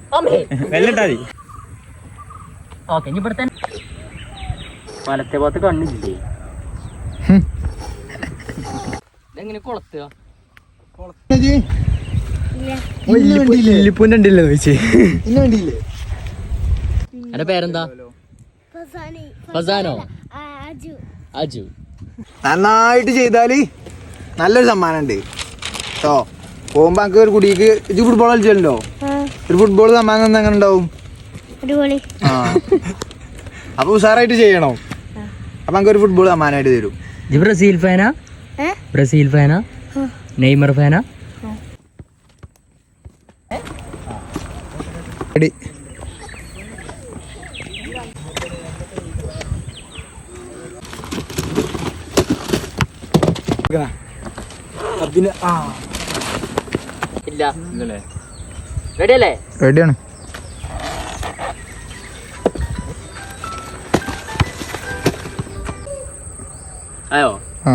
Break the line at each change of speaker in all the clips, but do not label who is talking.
വെല്ലിട്ടാ മതി.
ഓക്കെ ഇനി ഇവിടെ തന്നെ വലത്തെ ഭാഗത്ത് കണ്ണില്ലേ? ഇതെങ്ങനെ കൊളത്തുക?
ഇല്ലിപ്പൂൻ്റെ ചോദിച്ചേ.
എന്റെ പേരെന്താ? ഫസാനോ? അജു.
നന്നായിട്ട് ചെയ്താല് നല്ലൊരു സമ്മാനം ഉണ്ട് കേട്ടോ. പോകുമ്പോ എനിക്ക് ഒരു കുടിക്ക് ഇത് ഫുട്ബോൾ കളിച്ചല്ലോ, ഒരു ഫുട്ബോൾ സമ്മാനം എങ്ങനെ ഉണ്ടാവും? ആ അപ്പൊ ഉഷാറായിട്ട് ചെയ്യണോ? അപ്പൊ നമുക്ക് ഒരു ഫുട്ബോൾ സമ്മാനമായിട്ട് തരും.
ബ്രസീൽ ഫാനാ? ബ്രസീൽ ഫാനാ? നെയ്മർ ഫാനാ?
റെഡി.
ഇല്ല. റെഡി അല്ലേ?
റെഡിയാണ്.
അയോ
ആ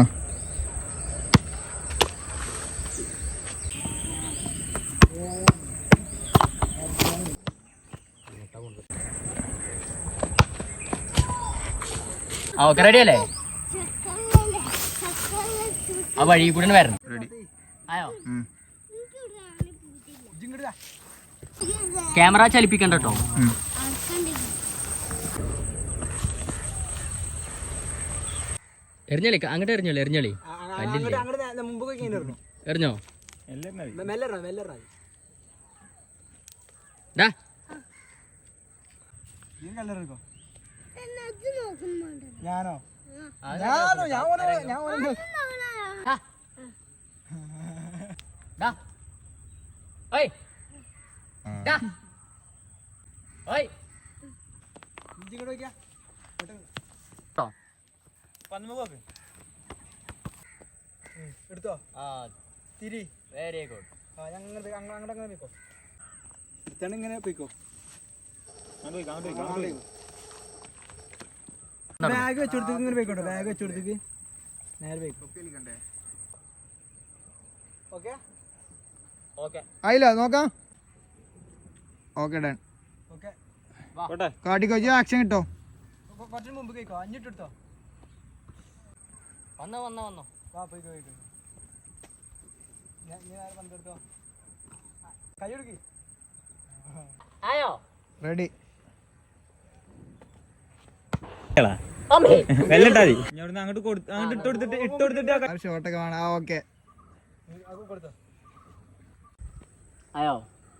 ഓക്കെ റെഡി അല്ലേ? ആ വഴി കൂടെ വരണം. ആയോ? ക്യാമറ ചലിപ്പിക്കണ്ട കേട്ടോ. എറിഞ്ഞളി അങ്ങോട്ട് എറിഞ്ഞോളി. എറിഞ്ഞോളി എറിഞ്ഞോ?
ഞാനോ? എടുത്തോ? തിരി.
Very good.
ഇങ്ങനെ പോയിക്കോ. ബാഗ് വെച്ചെടുത്തേക്ക് ഇങ്ങനെ പോയിക്കോട്ടെ. ബാഗ് വെച്ചെടുത്തേക്ക് നേരെ പോയിക്കോ. ആയില്ല നോക്കാം. Okay done. കാട്ടിക്കോ. ആക്ഷൻ കിട്ടോ? കുറച്ച് മുമ്പ് കേക്കോ. അഞ്ഞിട്ടെടുത്തോ.
വന്നോ ആയോ?
റെഡി.
വെല്ലിട്ടാ മതി. അങ്ങോട്ട് ഇട്ട് കൊടുത്തിട്ട്
ഷോട്ടൊക്കെ വേണം. ആ ഓക്കെ.
ആയോ?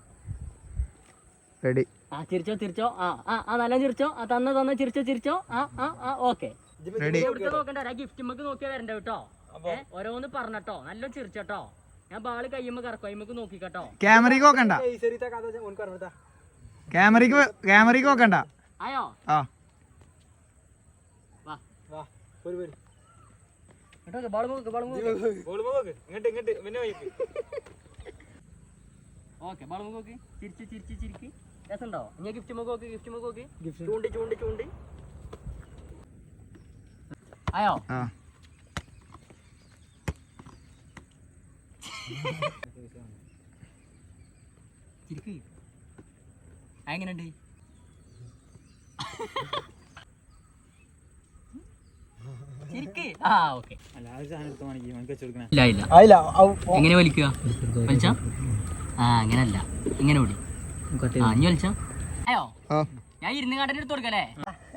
റെഡി.
ചിരിച്ചോ. നല്ല ചിരിച്ചോ. തന്ന ചിരിച്ചോ. ഓക്കെ. നോക്കണ്ട. ഗിഫ്റ്റ് നമുക്ക് നോക്കിയാ വരണ്ട കേട്ടോ. ഓരോന്ന് പറഞ്ഞട്ടോ. നല്ല ചിരിച്ചട്ടോ. ഞാൻ ബാള് കയ്യുമ്പോ കറക്കും. കയ്യുമ്പോ നോക്കിക്കട്ടോ.
ക്യാമറയ്ക്ക് നോക്കണ്ട. ക്യാമറയ്ക്ക് നോക്കണ്ട.
ആയോ?
ആ
ഓക്കെ ബാള് നോക്കി. ചിരിക്ക്. രസമുണ്ടോ? ഇനി ഗിഫ്റ്റ് നോക്കി. ചൂണ്ടി. ആയോ? ചിരിക്ക്. എങ്ങനെയുണ്ട്? എങ്ങനെ വലിക്കുക? വലിച്ച അങ്ങനല്ല. ഇങ്ങനെ വിടി. ഇനി വലിച്ച അയോ? ഞാൻ ഇരുന്ന് കാട്ടിന് എടുത്ത് കൊടുക്കല്ലേ?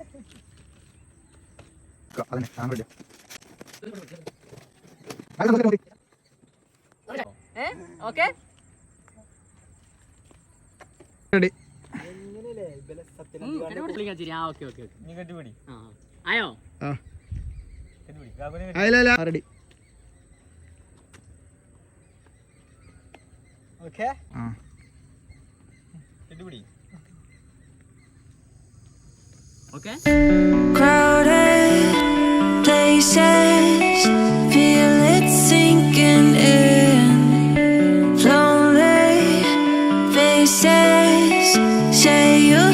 ഓക്കെ ആയോ?
Ready. Okay.
Okay.
Crowded places, feel it sinking in. Lonely faces say you